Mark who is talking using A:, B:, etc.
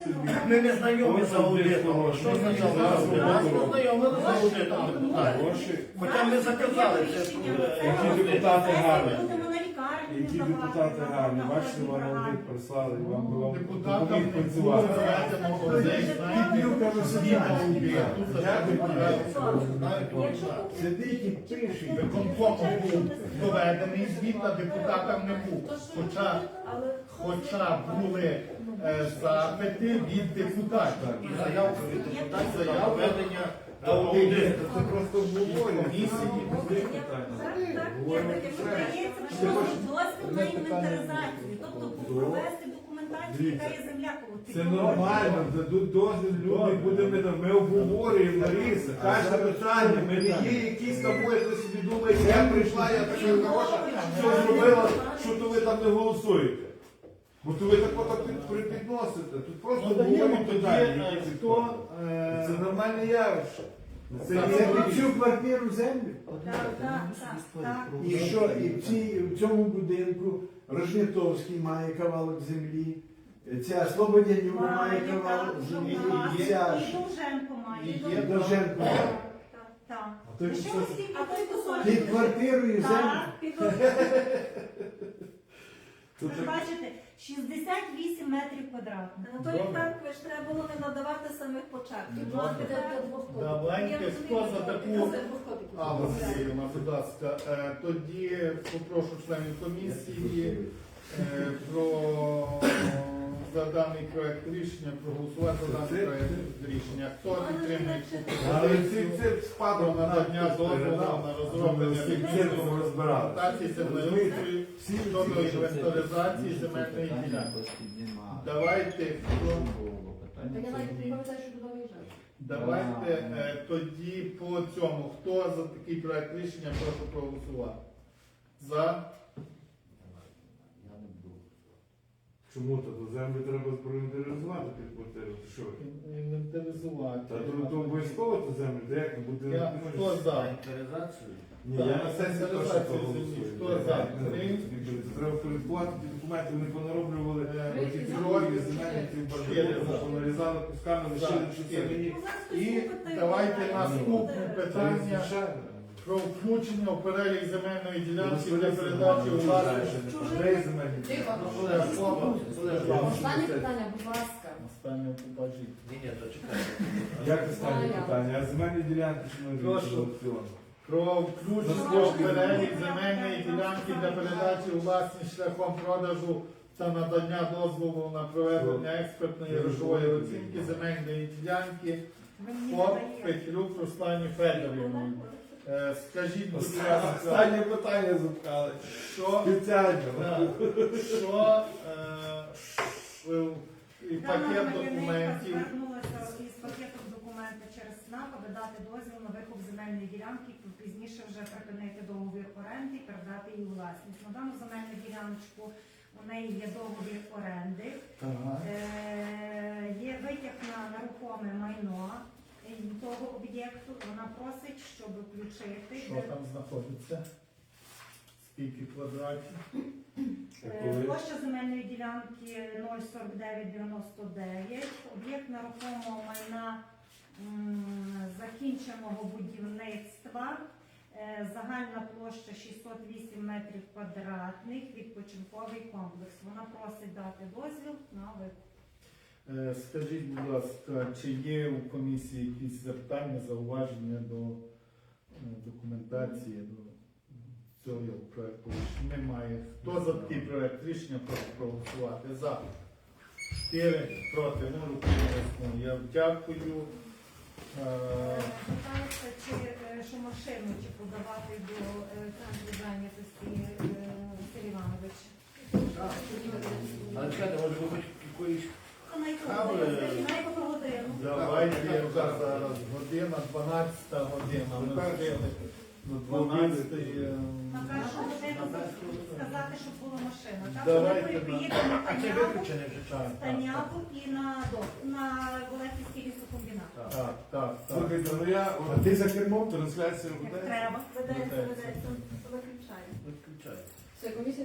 A: Ми не знайомі з аудитом. Що означає аудит? Нас познайомили з аудитом. Хоча ми заказали це.
B: Які депутати гарні.
C: Будемо на лікарні
B: Які
C: давати,
B: депутати
C: на
B: гарні.
C: одні
B: Бачите, вам
C: програми.
B: аудит прислали, вам би вам
D: Депутатам
B: допоміг
D: не
B: працювати.
D: зведено один, сидить і пише, виконком був доведений звіт, а депутатам не був. Хоча були запити від депутатів.
A: І заявка від депутатів за проведення аудиту.
B: Це просто обговорення.
C: Дозвіл на інвентаризацію, тобто провести документацію, яка є земля коло
B: Це нормально, дадуть дозвіл, люди будемо, ми обговорюємо, Лариса, кожне питання, ми не є якісь тобою, ви собі думаєте, я прийшла, я така хороша, що зробила, що то ви там не голосуєте. Бо то ви так підносите, тут просто обговорюємо питання. Це нормальне явище. Це
E: Це цю квартиру землю.
C: Так.
E: І що, і в цьому будинку Рожнятовський має кавалок землі, ця Слободянюк має кавалок землі, і ця
C: І Довженко має.
D: І є
E: Довженко.
C: Так.
E: А той
C: Ще
E: що?
C: ось ті- а той кусочок.
E: Під квартирою землю.
C: Так, ви ж бачите, 68 метрів квадратних.
F: На той Франкович треба було не надавати самих початків.
D: Давайте, хто за таку Алла, будь ласка, тоді попрошу членів комісії за даний проект рішення проголосувати за даний проект рішення. Хто підтримує цю
B: Але
D: пропозицію
B: це спадок
D: про надання дозволу на розроблення технічної документації землеустрою щодо інвентаризації земельної ділянки. Давайте, давайте тоді по цьому. Хто за такий проект рішення, прошу проголосувати. За.
B: Чому то? До землі треба проінвентаризувати під квартиру, ти що?
D: Інвентаризувати.
B: Та то обов'язково то землю, де як не буде?
D: Хто за?
A: Інвентаризацію.
B: Ні, я на сесії теж проголосую.
D: Хто за?
B: Треба порядкувати ті документи, вони понароблювали ті
D: Три.
B: підроги, земельні ті бажання, понарізали кусками, лишили, що це мені.
D: І давайте наступне питання
B: Звичайно.
D: про включення у перелік земельної ділянки для передачі у власність.
B: Де земельні?
F: Останнє питання, будь ласка.
D: Останнє побажіть.
A: Ні, то чекайте.
B: Як останнє питання? А земельні ділянки чи не
D: Прошу.
B: аукціон?
D: Про включення у перелік земельної ділянки для передачі у власність шляхом продажу та надання дозволу на проведення експертної грошової оцінки земельної ділянки ФОП Петлюк Руслані Федорівні. Скажіть, будь ласка,
B: Останнє питання запхали.
D: що
B: Спеціально.
D: і пакет документів.
C: Звернулася із пакетом документів через СНАП, аби дати дозвіл на викуп земельної ділянки, пізніше вже припинити договір оренди і передати її у власність. На дану земельну діляночку у неї є договір оренди, є витяг на нерухоме майно того об'єкту. Вона просить, щоб включити.
D: Що там знаходиться? Скільки квадратів?
C: Площа земельної ділянки 04999, об'єкт нерухомого майна закінченого будівництва, загальна площа 608 метрів квадратних, відпочинковий комплекс. Вона просить дати дозвіл на викуп.
D: Скажіть, будь ласка, чи є у комісії якісь запитання, зауваження до документації, до цього проєкту рішення? Немає. Хто за такий проєкт рішення прошу проголосувати? За. 4 проти, ну, руки не висунули. Я дякую.
C: Питається, що машину чи подавати до центру зайнятості Василь Іванович.
A: Але чекайте, може ви хоч якоїсь...
D: Давайте зараз година, 12 година. Ми встигли до 12.
C: На першу годину сказати, щоб була машина. Так,
D: Давайте,
C: ми поїдемо
A: А це виключений вже час.
C: на Станяву і на Володимирський лісокомбінат.
D: Так.
B: Слухайте, ну я, а ти за кермом, трансляція
C: Як
B: буде?
C: треба.
F: Ведеться, виключаю.
A: Виключаю.
F: Все, комісія.